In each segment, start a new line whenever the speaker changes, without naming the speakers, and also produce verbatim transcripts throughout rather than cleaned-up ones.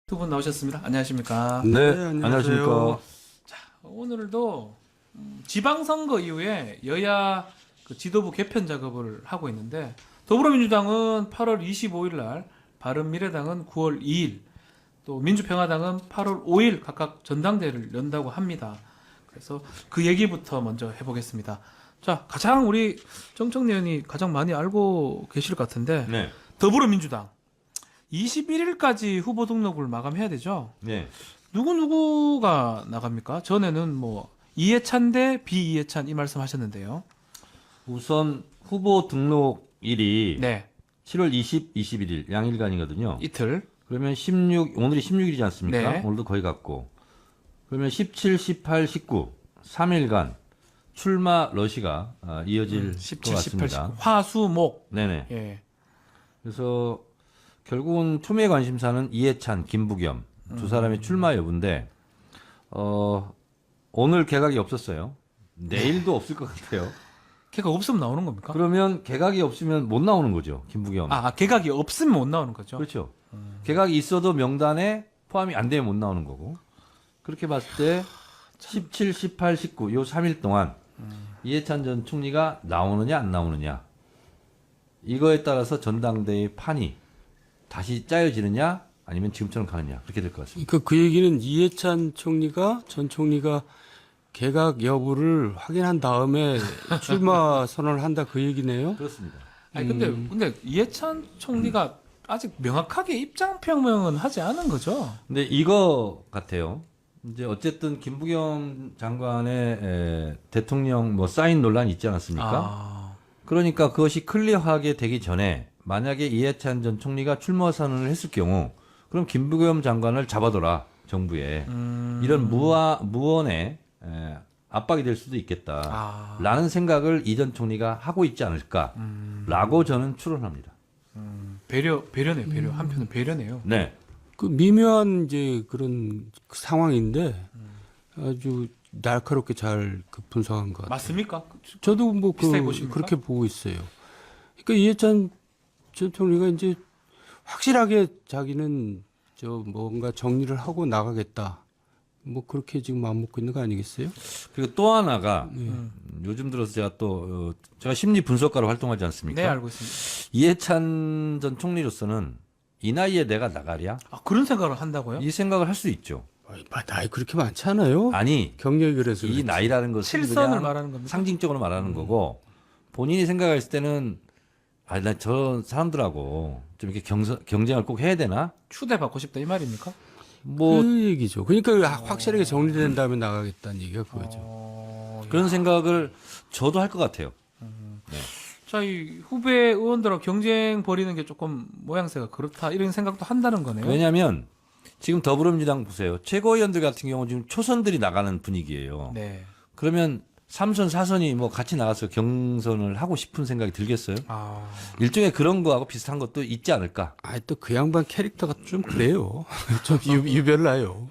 두 분 나오셨습니다. 안녕하십니까?
네,
네,
안녕하십니까.
자, 오늘도 음, 지방선거 이후에 여야 그 지도부 개편 작업을 하고 있는데 더불어민주당은 팔월 이십오일 날, 바른미래당은 구월 이일, 또 민주평화당은 팔월 오일 각각 전당대회를 연다고 합니다. 그래서 그 얘기부터 먼저 해보겠습니다. 자, 가장 우리 정청래 의원이 가장 많이 알고 계실 것 같은데
네,
더불어민주당 이십일일까지 후보 등록을 마감해야 되죠.
네.
누구 누구가 나갑니까? 전에는 뭐 이해찬 대 비이해찬 이 말씀하셨는데요.
우선 후보 등록일이
네,
칠월 이십, 이십일일 양일간이거든요.
이틀.
그러면 십육, 오늘이 십육일이지 않습니까?
네.
오늘도 거의 갔고. 그러면 십칠, 십팔, 십구, 삼 일간 출마 러시가 아, 이어질 것
십칠, 십팔,
같습니다.
십구. 화수목.
네네.
예.
그래서 결국은 초미의 관심사는 이해찬, 김부겸 두 사람의 출마 여부인데 어, 오늘 개각이 없었어요. 내일도 없을 것 같아요.
개각 없으면 나오는 겁니까?
그러면 개각이 없으면 못 나오는 거죠, 김부겸.
아, 개각이 없으면 못 나오는 거죠.
그렇죠. 개각이 있어도 명단에 포함이 안 되면 못 나오는 거고. 그렇게 봤을 때 십칠, 십팔, 십구 요 삼 일 동안 이해찬 전 총리가 나오느냐 안 나오느냐 이거에 따라서 전당대회 판이 다시 짜여지느냐 아니면 지금처럼 가느냐 그렇게 될 것 같습니다.
그러니까 그 얘기는 이해찬 총리가 전 총리가 개각 여부를 확인한 다음에 출마 선언을 한다 그 얘기네요.
그렇습니다.
아니 근데 근데 이해찬 총리가 아직 명확하게 입장 표명은 하지 않은 거죠.
근데 이거 같아요. 이제 어쨌든 김부겸 장관의 에, 대통령 뭐 사인 논란이 있지 않았습니까?
아,
그러니까 그것이 클리어하게 되기 전에 만약에 이해찬 전 총리가 출마 선언을 했을 경우 그럼 김부겸 장관을 잡아둬라 정부에
음,
이런 무아, 무언의 에, 압박이 될 수도 있겠다
아,
라는 생각을 이 전 총리가 하고 있지 않을까라고 저는 추론합니다.
음, 배려 배려네요. 배려. 한편은 배려네요.
네.
그 미묘한 이제 그런 그 상황인데 아주 날카롭게 잘 그 분석한 것 같아요.
맞습니까?
저도 뭐 그,
비슷하게 보십니까?
그렇게 보고 있어요. 그러니까 이해찬 전 총리가 이제 확실하게 자기는 저 뭔가 정리를 하고 나가겠다. 뭐 그렇게 지금 마음 먹고 있는 거 아니겠어요?
그리고 또 하나가
네.
음, 요즘 들어서 제가 또 어, 제가 심리 분석가로 활동하지 않습니까?
네, 알고 있습니다.
이해찬 전 총리로서는 이 나이에 내가 나가랴?
아, 그런 생각을 한다고요?
이 생각을 할 수 있죠.
아이, 나이 그렇게 많지 않아요?
아니
경력이 그래서
이
그렇지.
나이라는 것은
칠선을
그냥
말하는 겁니까?
상징적으로 말하는 거고 본인이 생각했을 때는 아, 나 저 사람들하고 좀 이렇게 경서, 경쟁을 꼭 해야 되나?
추대받고 싶다 이 말입니까?
뭐
그 얘기죠. 그러니까 확실하게 정리된 다음에 나가겠다는 얘기가 그거죠.
어,
그런 생각을 저도 할 것 같아요.
자, 이 후배 의원들하고 경쟁 벌이는 게 조금 모양새가 그렇다 이런 생각도 한다는 거네요.
왜냐하면 지금 더불어민주당 보세요. 최고위원들 같은 경우 지금 초선들이 나가는 분위기예요.
네.
그러면 삼선, 사선이 뭐 같이 나가서 경선을 하고 싶은 생각이 들겠어요?
아,
일종의 그런 거하고 비슷한 것도 있지 않을까?
아, 또 그 양반 캐릭터가 좀 그래요. 좀 유, 유별나요.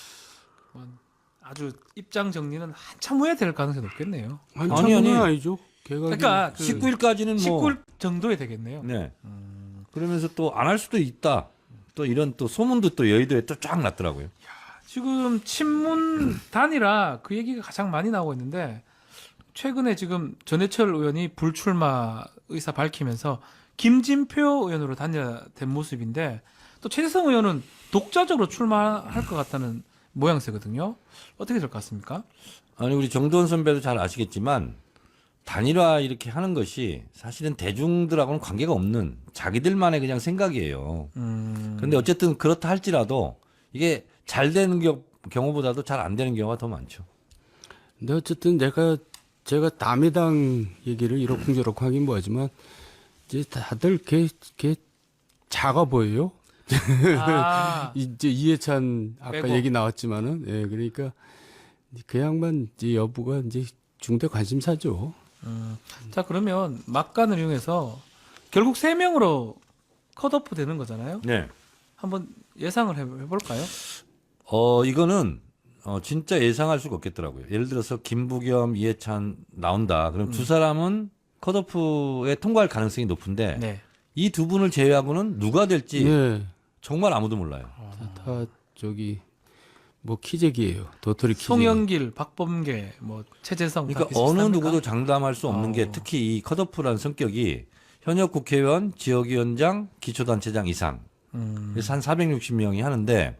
아주 입장 정리는 한참 후에 될 가능성이 높겠네요.
아니,
아니,
아니,
아니.
아니죠. 개각이
그러니까 그
십구 일까지는 뭐
십구 일 정도에 되겠네요.
네. 그러면서 또 안 할 수도 있다. 또 이런 또 소문도 또 여의도에 또 쫙 났더라고요.
지금 친문 단이라 그 얘기가 가장 많이 나오고 있는데 최근에 지금 전해철 의원이 불출마 의사 밝히면서 김진표 의원으로 단일화된 모습인데 또 최재성 의원은 독자적으로 출마할 것 같다는 모양새거든요. 어떻게 될 것 같습니까?
아니 우리 정도원 선배도 잘 아시겠지만 단일화 이렇게 하는 것이 사실은 대중들하고는 관계가 없는 자기들만의 그냥 생각이에요.
음,
그런데 어쨌든 그렇다 할지라도 이게 잘 되는 겨- 경우보다도 잘 안 되는 경우가 더 많죠.
근데 어쨌든 내가 제가 남의 당 얘기를 이러쿵저러쿵 하긴 뭐하지만 이제 다들 걔, 걔 작아 보여요.
아,
이제 이해찬 아까
빼고.
얘기 나왔지만은 예 그러니까 그 양반 이제 여부가 이제 중대 관심사죠.
음. 자 그러면 막간을 이용해서 결국 세 명으로 컷오프 되는 거잖아요.
네.
한번 예상을 해- 해볼까요?
어 이거는 어 진짜 예상할 수가 없겠더라고요. 예를 들어서 김부겸, 이해찬 나온다. 그럼 두 사람은 컷오프에 통과할 가능성이 높은데
네.
이 두 분을 제외하고는 누가 될지
예.
정말 아무도 몰라요.
다, 다 저기 뭐 키재기예요. 도토리 키재기.
송영길, 박범계, 뭐 최재성. 다
그러니까 어느
비슷비슷합니까?
누구도 장담할 수 없는
어.
게 특히 이 컷오프라는 성격이 현역 국회의원, 지역위원장, 기초단체장 이상
음.
그래서 한 사백육십 명이 하는데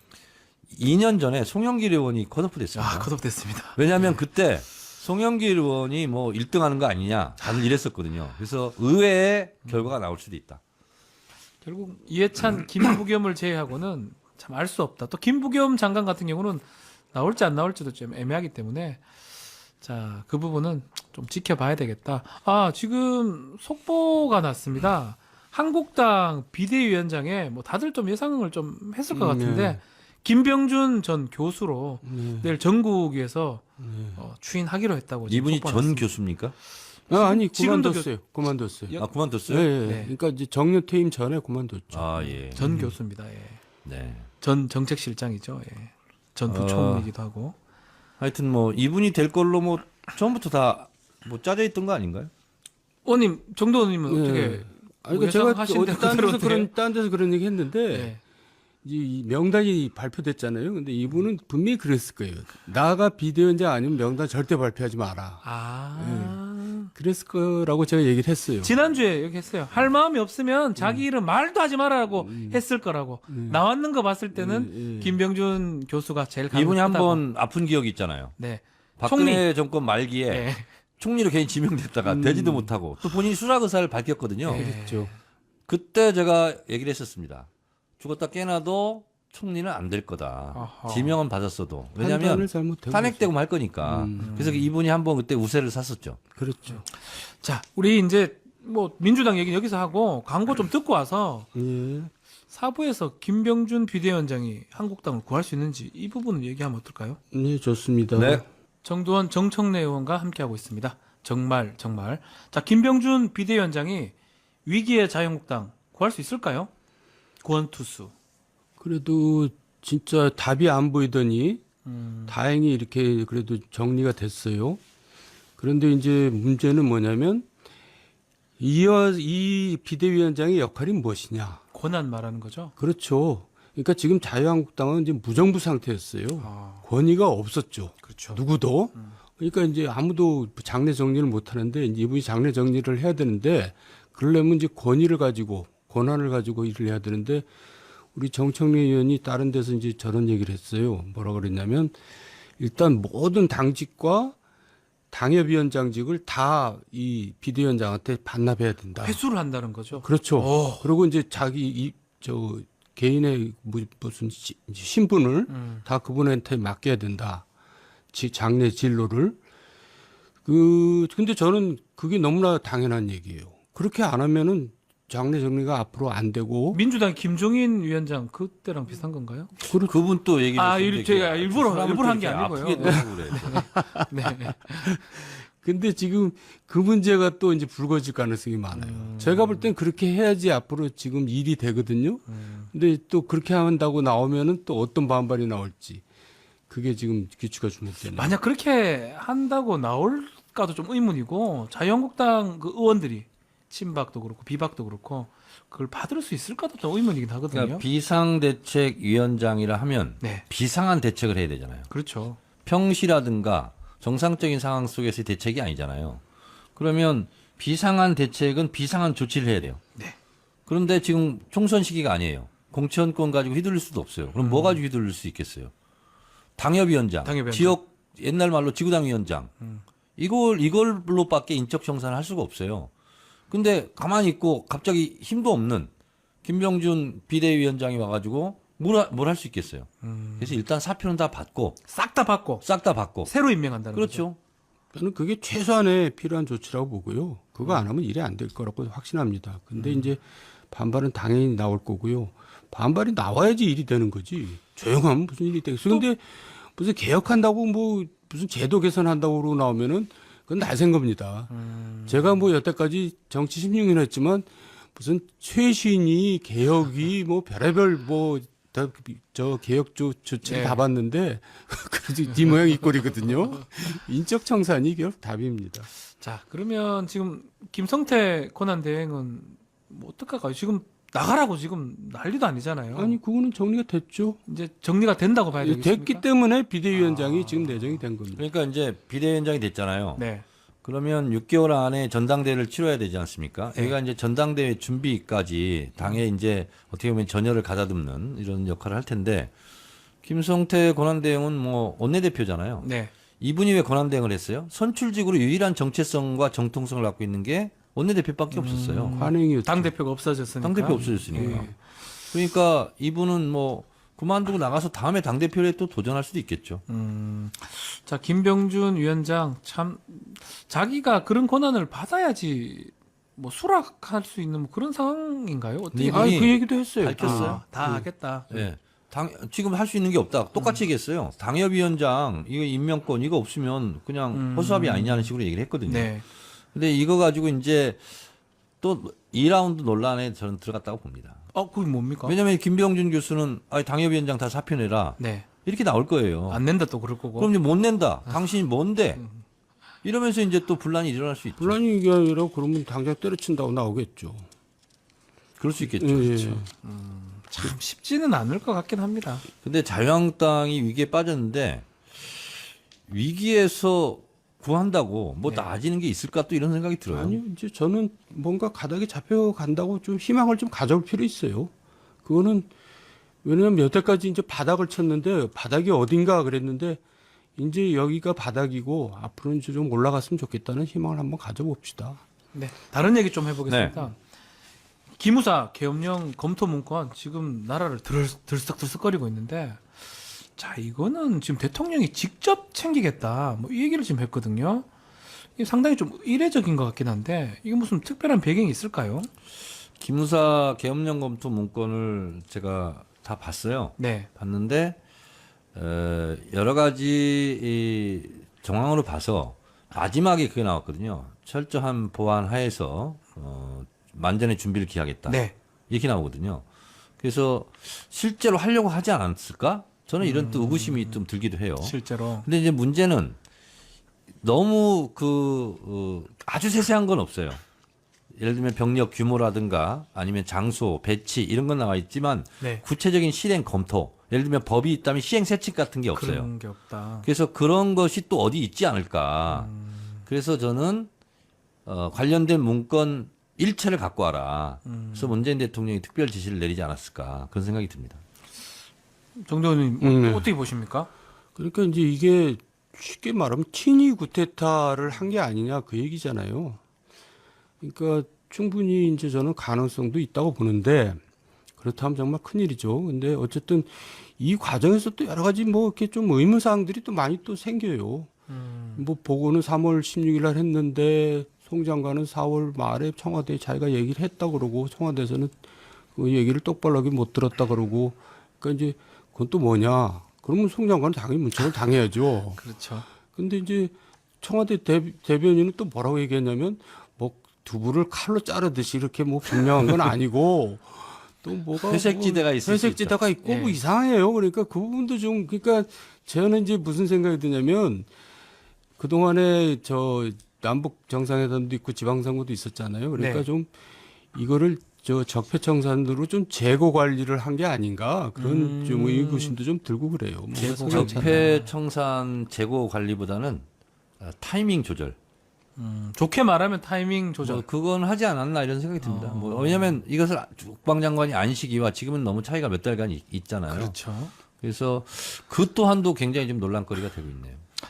이 년 전에 송영길 의원이 컷오프 됐습니다.
아, 컷오프됐습니다.
왜냐하면 그때 송영길 의원이 뭐 일 등 하는 거 아니냐 다들 이랬었거든요. 그래서 의외의 결과가 나올 수도 있다.
결국 이해찬, 김부겸을 제외하고는 참 알 수 없다. 또 김부겸 장관 같은 경우는 나올지 안 나올지도 좀 애매하기 때문에 자, 그 부분은 좀 지켜봐야 되겠다. 아, 지금 속보가 났습니다. 한국당 비대위원장에 뭐 다들 좀 예상을 좀 했을 것
음,
같은데
네.
김병준 전 교수로
네.
내일 전국에서
네.
어, 추인하기로 했다고 지금
이분이
속보가
전
났습니다.
교수입니까?
아, 아니
지금도
그만뒀어요. 그만뒀어요.
여-
아 그만뒀어요?
예, 예.
네.
그러니까 이제 정년 퇴임 전에 그만뒀죠.
아 예.
전 교수입니다. 예.
네.
전 정책실장이죠. 예. 전
어.
부총리이기도 하고.
하여튼 뭐 이분이 될 걸로 뭐 처음부터 다 뭐 짜져 있던 거 아닌가요?
의원님, 정도 의원님은
예.
어떻게
아니, 그러니까 제가
예상하신
어디
대로
딴 데서
그대로인데요?
그런 딴 데서 그런 얘기 했는데
예.
이제 이 명단이 발표됐잖아요. 근데 이분은 분명히 그랬을 거예요. 나가 비대위원장 아니면 명단 절대 발표하지 마라.
아.
그랬을 거라고 제가 얘기를 했어요.
지난주에 여기 했어요. 할 마음이 없으면 자기 이름 말도 하지 말라고 했을 거라고. 나왔는 거 봤을 때는
예, 예.
김병준 교수가 제일 가능하다고.
이분이 한번 아픈 기억이 있잖아요.
네.
박근혜 정권 말기에
네.
총리로 괜히 지명됐다가
음.
되지도 못하고 또 본인이 수락 의사를 밝혔거든요.
네.
그랬죠.
그때 제가 얘기를 했었습니다. 죽었다 깨나도 총리는 안 될 거다.
아하.
지명은 받았어도. 왜냐하면
판단을 잘못한
탄핵되고 말 거니까.
음.
그래서 이분이 한번 그때 우세를 샀었죠.
거죠. 그렇죠.
자, 우리 이제 뭐 민주당 얘기는 여기서 하고 광고 좀 듣고 와서
예.
사부에서 김병준 비대위원장이 한국당을 구할 수 있는지 이 부분을 얘기하면 어떨까요?
네, 좋습니다.
네.
정두원 정청래 의원과 함께하고 있습니다. 정말 정말. 자, 김병준 비대위원장이 위기의 자유한국당 구할 수 있을까요? 구원투수.
그래도 진짜 답이 안 보이더니
음,
다행히 이렇게 그래도 정리가 됐어요. 그런데 이제 문제는 뭐냐면 이, 이 비대위원장의 역할이 무엇이냐?
권한 말하는 거죠?
그렇죠. 그러니까 지금 자유한국당은 이제 무정부 상태였어요.
아,
권위가 없었죠.
그렇죠.
누구도. 그러니까 이제 아무도 장례 정리를 못 하는데 이제 이분이 장례 정리를 해야 되는데 그러려면 이제 권위를 가지고 권한을 가지고 일을 해야 되는데 우리 정청래 의원이 다른 데서 이제 저런 얘기를 했어요. 뭐라 그랬냐면 일단 모든 당직과 당협위원장직을 다 이 비대위원장한테 반납해야 된다.
회수를 한다는 거죠.
그렇죠.
오.
그리고 이제 자기 이 저 개인의 무- 무슨 시- 신분을
음.
다 그분한테 맡겨야 된다. 지, 장례 진로를. 그 근데 저는 그게 너무나 당연한 얘기예요. 그렇게 안 하면은 장례 정리가 앞으로 안 되고
민주당 김종인 위원장 그때랑 비슷한 건가요?
그분 또 얘기를
아,
했었는데
일- 제가
그
일부러-
사람을
일부러
또
한게
이렇게
아니고요.
아프게 또 하고 그래요.
네.
근데 지금 그 문제가 또 이제 불거질 가능성이 많아요.
음.
제가 볼 땐 그렇게 해야지 앞으로 지금 일이 되거든요.
음.
근데 또 그렇게 한다고 나오면은 또 어떤 반발이 나올지 그게 지금 귀추가 주목되네요.
만약 그렇게 한다고 나올까도 좀 의문이고 자유한국당 그 의원들이 친박도 그렇고 비박도 그렇고 그걸 받을 수 있을까도 좀 의문이긴 하거든요.
그러니까 비상대책위원장이라 하면
네,
비상한 대책을 해야 되잖아요.
그렇죠.
평시라든가 정상적인 상황 속에서의 대책이 아니잖아요. 그러면 비상한 대책은 비상한 조치를 해야 돼요.
네.
그런데 지금 총선 시기가 아니에요. 공천권 가지고 휘둘릴 수도 없어요. 그럼 뭐 가지고 휘둘릴 수 있겠어요? 당협위원장,
당협위원장.
지역 옛날 말로 지구당위원장.
음.
이걸 이걸로밖에 인적 정산을 할 수가 없어요. 근데 가만히 있고 갑자기 힘도 없는 김병준 비대위원장이 와가지고 뭘 할 수 있겠어요.
음.
그래서 일단 사표는 다 받고
싹 다 받고
싹 다 받고.
새로 임명한다는 거죠.
그렇죠.
저는 그게 최소한의 필요한 조치라고 보고요. 그거 안 하면 일이 안 될 거라고 확신합니다. 근데 이제 반발은 당연히 나올 거고요. 반발이 나와야지 일이 되는 거지. 조용하면 무슨 일이 되겠어. 근데 무슨 개혁한다고 뭐 무슨 제도 개선한다고 그러고 나오면은 그건 날쌘 겁니다.
음.
제가 뭐 여태까지 정치 십육 년 했지만 무슨 최신이 개혁이 뭐 별의별 뭐 저 개혁 조, 조치를
네.
다 봤는데 그래도 네 모양 이 꼴이거든요. 인적 청산이 결국 답입니다.
자, 그러면 지금 김성태 권한 대행은 뭐 어떡할까요? 지금 나가라고 지금 난리도 아니잖아요.
아니 그거는 정리가 됐죠.
이제 정리가 된다고 봐야 되겠습니까?
예, 됐기 때문에 비대위원장이 지금 내정이 된 겁니다.
그러니까 이제 비대위원장이 됐잖아요.
네.
그러면 육 개월 안에 전당대회를 치러야 되지 않습니까?
네.
여기가 이제 전당대회 준비까지 당에 이제 어떻게 보면 전열을 가다듬는 이런 역할을 할 텐데 김성태 권한대행은 뭐 원내대표잖아요.
네.
이분이 왜 권한대행을 했어요? 선출직으로 유일한 정체성과 정통성을 갖고 있는 게 원내대표밖에 없었어요.
관행이었죠.
당 대표가 없어졌으니까.
당대표 없어졌으니까.
예.
그러니까 이분은 뭐 그만두고 나가서 다음에 당대표에 또 도전할 수도 있겠죠.
음, 자 김병준 위원장 참 자기가 그런 권한을 받아야지 뭐 수락할 수 있는 뭐 그런 상황인가요? 어떻게?
네,
아,
이분이
그 얘기도 했어요.
밝혔어요.
아, 다 하겠다.
예. 당, 지금 할 수 있는 게 없다. 똑같이 얘기했어요. 당협위원장, 이거 임명권, 이거 없으면 그냥
음.
허수아비 아니냐는 식으로 얘기를 했거든요.
네.
근데 이거 가지고 이제 또 이 라운드 논란에 저는 들어갔다고 봅니다.
어, 그게 뭡니까?
왜냐하면 김병준 교수는 아, 당협위원장 다 사표 내라.
네.
이렇게 나올 거예요.
안 낸다 또 그럴 거고.
그럼 이제 못 낸다. 당신이 뭔데? 이러면서 이제 또 분란이 일어날 수 있죠.
분란이 이게 아니라 그러면 당장 때려친다고 나오겠죠.
그럴 수 있겠죠.
예,
그렇죠.
예.
참 쉽지는 않을 것 같긴 합니다.
근데 자유한국당이 위기에 빠졌는데 위기에서 구한다고 뭐
네.
나아지는 게 있을까 또 이런 생각이 들어요.
아니요, 이제 저는 뭔가 가닥이 잡혀간다고 좀 희망을 좀 가져올 필요 있어요. 그거는 왜냐하면 여태까지 이제 바닥을 쳤는데 바닥이 어딘가 그랬는데 이제 여기가 바닥이고 앞으로는 이제 좀 올라갔으면 좋겠다는 희망을 한번 가져봅시다.
네. 다른 얘기 좀 해보겠습니다. 기무사 계엄령 검토 문건 지금 나라를 들, 들썩들썩거리고 있는데 자 이거는 지금 대통령이 직접 챙기겠다 뭐 이 얘기를 지금 했거든요. 이게 상당히 좀 이례적인 것 같긴 한데 이게 무슨 특별한 배경이 있을까요?
기무사 계엄령 검토 문건을 제가 다 봤어요.
네.
봤는데 어, 여러 가지 이 정황으로 봐서 마지막에 그게 나왔거든요. 철저한 보안 하에서 어, 만전의 준비를 기하겠다.
네.
이렇게 나오거든요. 그래서 실제로 하려고 하지 않았을까? 저는 이런 또 의구심이 좀 들기도 해요.
실제로.
근데 이제 문제는 너무 그 어, 아주 세세한 건 없어요. 예를 들면 병력 규모라든가 아니면 장소, 배치 이런 건 나와 있지만
네.
구체적인 실행 검토, 예를 들면 법이 있다면 시행 세칙 같은 게 없어요.
그런 게 없다.
그래서 그런 것이 또 어디 있지 않을까. 그래서 저는 어, 관련된 문건 일체를 갖고 와라. 그래서 문재인 대통령이 특별 지시를 내리지 않았을까 그런 생각이 듭니다.
정대원님
음, 네.
어떻게 보십니까?
그러니까 이제 이게 쉽게 말하면 친위 구테타를 한 게 아니냐 그 얘기잖아요. 그러니까 충분히 이제 저는 가능성도 있다고 보는데 그렇다면 정말 큰일이죠. 근데 어쨌든 이 과정에서 또 여러 가지 뭐 이렇게 좀 의문사항들이 또 많이 또 생겨요.
음,
뭐 보고는 삼월 십육일 날 했는데 송 장관은 사월 말에 청와대에 자기가 얘기를 했다 그러고 청와대에서는 그 얘기를 똑바로 하게 못 들었다 그러고 그러니까 이제 그건 또 뭐냐? 그러면 송 장관은 당연히 문책을 당해야죠.
그렇죠.
근데 이제 청와대 대, 대변인은 또 뭐라고 얘기했냐면 뭐 두부를 칼로 자르듯이 이렇게 뭐 분명한 건 아니고 또 뭐가
회색지대가
뭐
있을 수
회색지대가 있고
예.
뭐 이상해요. 그러니까 그 부분도 좀 그러니까 저는 이제 무슨 생각이 드냐면 그 동안에 저 남북 정상회담도 있고 지방선거도 있었잖아요. 그러니까
네.
좀 이거를 저 적폐청산으로 좀 재고 관리를 한 게 아닌가 그런
음.
좀 의구심도 좀 들고 그래요. 뭐
재고
그래서
적폐 청산 재고 관리보다는 어, 타이밍 조절.
음, 좋게 말하면 타이밍 조절.
뭐 그건 하지 않았나 이런 생각이 듭니다.
어.
뭐 왜냐하면 이것을 국방장관이 안 시기와 지금은 너무 차이가 몇 달간 있, 있잖아요.
그렇죠.
그래서 그 또한도 굉장히 좀 논란거리가 되고 있네요.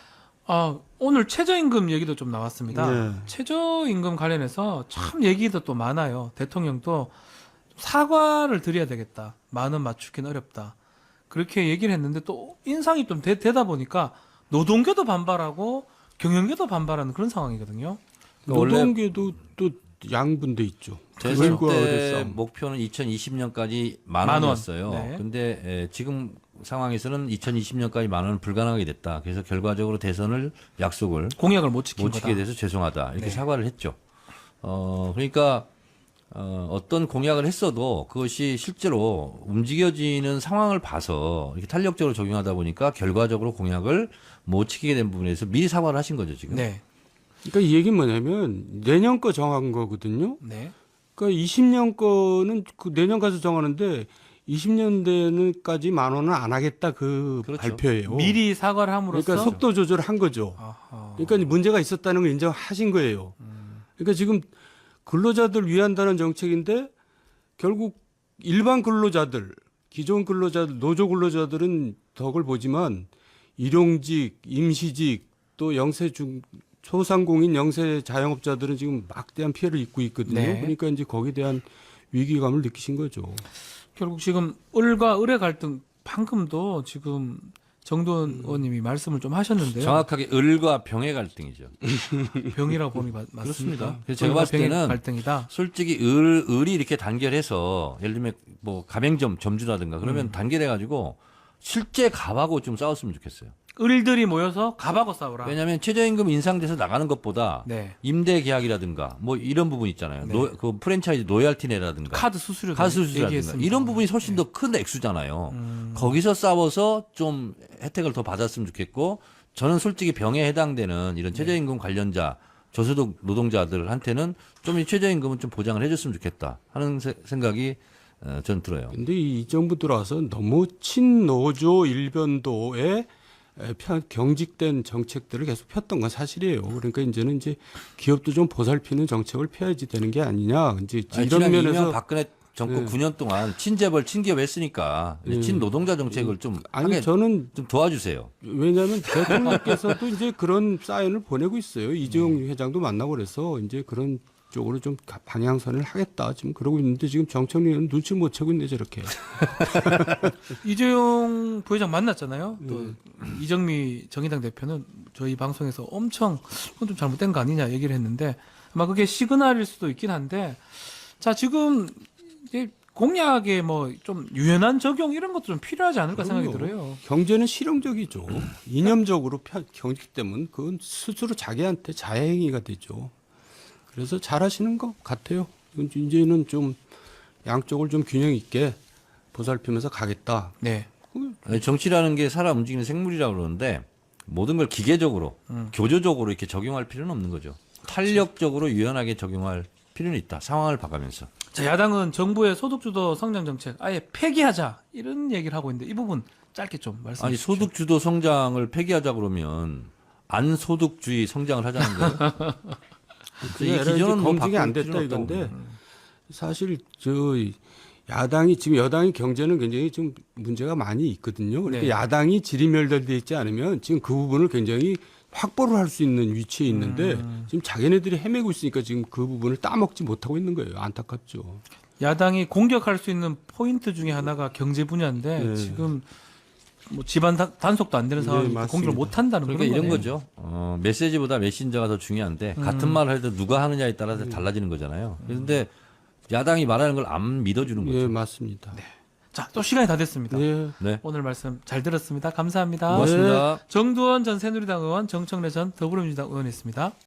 아, 오늘 최저임금 얘기도 좀 나왔습니다.
네.
최저임금 관련해서 참 얘기도 또 많아요. 대통령도 사과를 드려야 되겠다. 만 원 맞추기는 어렵다. 그렇게 얘기를 했는데 또 인상이 좀 되, 다 보니까 노동계도 반발하고 경영계도 반발하는 그런 상황이거든요.
원래
노동계도 또 양분돼 있죠.
대선
그걸과
때
어렵싸움.
목표는 이천이십 년까지 만
만 원.
원이었어요.
네.
근데 에, 지금 상황에서는 이천이십 년까지 만 원은 불가능하게 됐다. 그래서 결과적으로 대선을 약속을
공약을 못 지킨
못
거다.
지키게 돼서 죄송하다. 이렇게
네.
사과를 했죠. 어, 그러니까 어, 어떤 공약을 했어도 그것이 실제로 움직여지는 상황을 봐서 이렇게 탄력적으로 적용하다 보니까 결과적으로 공약을 못 지키게 된 부분에서 미리 사과를 하신 거죠, 지금.
네.
그러니까 이 얘기는 뭐냐면 내년 거 정한 거거든요.
네.
그러니까 이십 년 거는 그 내년 가서 정하는데 이십 년대는까지 만 원은 안 하겠다 그
그렇죠.
발표예요.
미리 사과를 함으로써
그러니까 속도 조절을 한 거죠.
아하.
그러니까 문제가 있었다는 걸 인정하신 거예요. 그러니까 지금 근로자들 위한다는 정책인데 결국 일반 근로자들, 기존 근로자들, 노조 근로자들은 덕을 보지만 일용직, 임시직, 또 영세 중 소상공인 영세 자영업자들은 지금 막대한 피해를 입고 있거든요.
네.
그러니까 이제 거기에 대한 위기감을 느끼신 거죠.
결국 지금 을과 을의 갈등 방금도 지금 정도원
음.
의원님이 말씀을 좀 하셨는데요.
정확하게 을과 병의 갈등이죠.
병이라고 보니 맞, 맞습니까?
그렇습니다. 그래서 제가
을과
봤을
병의
때는
갈등이다.
솔직히 을, 을이 이렇게 단결해서 예를 들면 뭐 가맹점 점주라든가 그러면 단결해가지고 실제 갑하고 좀 싸웠으면 좋겠어요.
을들이 모여서 갑하고 싸우라.
왜냐하면 최저임금 인상돼서 나가는 것보다
네.
임대 계약이라든가 뭐 이런 부분 있잖아요.
네.
노, 그 프랜차이즈 로얄티 내라든가
카드 수수료
가수 수수라든가
얘기했습니다.
이런 부분이 훨씬 더 큰 액수잖아요.
음.
거기서 싸워서 좀 혜택을 더 받았으면 좋겠고 저는 솔직히 병에 해당되는 이런 최저임금 관련자 저소득 노동자들한테는 좀 이 최저임금은 좀 보장을 해줬으면 좋겠다 하는 세- 생각이 어, 전 들어요.
근데 이 정부 들어와서 너무 친노조 일변도에 에, 편- 경직된 정책들을 계속 폈던 건 사실이에요. 그러니까 이제는 이제 기업도 좀 보살피는 정책을 펴야지 되는 게 아니냐. 이제
아니,
이런
지난
면에서
이명 박근혜 정권
네.
구 년 동안 친재벌 친기업 했으니까 이제
네.
친노동자 정책을 좀
아니
하게
저는
좀 도와주세요.
왜냐하면 대통령께서도 이제 그런 사연을 보내고 있어요. 이재용 회장도 만나고 그래서 이제 그런 쪽으로 좀 가- 방향선을 하겠다 지금 그러고 있는데 지금 정청래는 눈치 못 채고 있네 저렇게.
이재용 부회장 만났잖아요. 또
네.
이정미 정의당 대표는 저희 방송에서 엄청 그건 좀 잘못된 거 아니냐 얘기를 했는데 아마 그게 시그널일 수도 있긴 한데 자 지금 이제 공약에 뭐 좀 유연한 적용 이런 것도 좀 필요하지 않을까 생각이
그럼요.
들어요.
경제는 실용적이죠. 이념적으로 편- 경직되면 그건 스스로 자기한테 자해행위가 되죠. 그래서 잘하시는 것 같아요. 이건 이제는 좀 양쪽을 좀 균형 있게 보살피면서 가겠다.
네.
아니, 정치라는 게 살아 움직이는 생물이라고 그러는데 모든 걸 기계적으로
음.
교조적으로 이렇게 적용할 필요는 없는 거죠. 탄력적으로 유연하게 적용할 필요는 있다. 상황을 봐가면서.
자 야당은 정부의 소득주도 성장 정책 아예 폐기하자 이런 얘기를 하고 있는데 이 부분 짧게 좀 말씀해
아니
주십시오.
소득 주도 성장을 폐기하자 그러면 안 소득주의 성장을 하자는 거예요. 이
그게
기존은 뭐
검증이 안
바꿀
됐다
필요는 없다고
이건데 사실 저 야당이 지금 여당이 경제는 굉장히 좀 문제가 많이 있거든요. 그러니까
네.
야당이 지리멸렬돼 있지 않으면 지금 그 부분을 굉장히 확보를 할 수 있는 위치에 있는데
음.
지금 자기네들이 헤매고 있으니까 지금 그 부분을 따먹지 못하고 있는 거예요. 안타깝죠.
야당이 공격할 수 있는 포인트 중에 하나가 경제 분야인데
네.
지금 뭐 집안 다- 단속도 안 되는
네,
상황이니까
맞습니다.
공격을 못 한다는
그러니까
그런
이런
거네요.
거죠. 어, 메시지보다 메신저가 더 중요한데
음.
같은 말을 해도 누가 하느냐에 따라서 달라지는 거잖아요. 그런데 야당이 말하는 걸 안 믿어주는 거죠.
예, 맞습니다.
자, 또 시간이 다 됐습니다.
네.
네.
오늘 말씀 잘 들었습니다. 감사합니다.
고맙습니다.
정두원 전 새누리당 의원, 정청래 전 더불어민주당 의원이었습니다.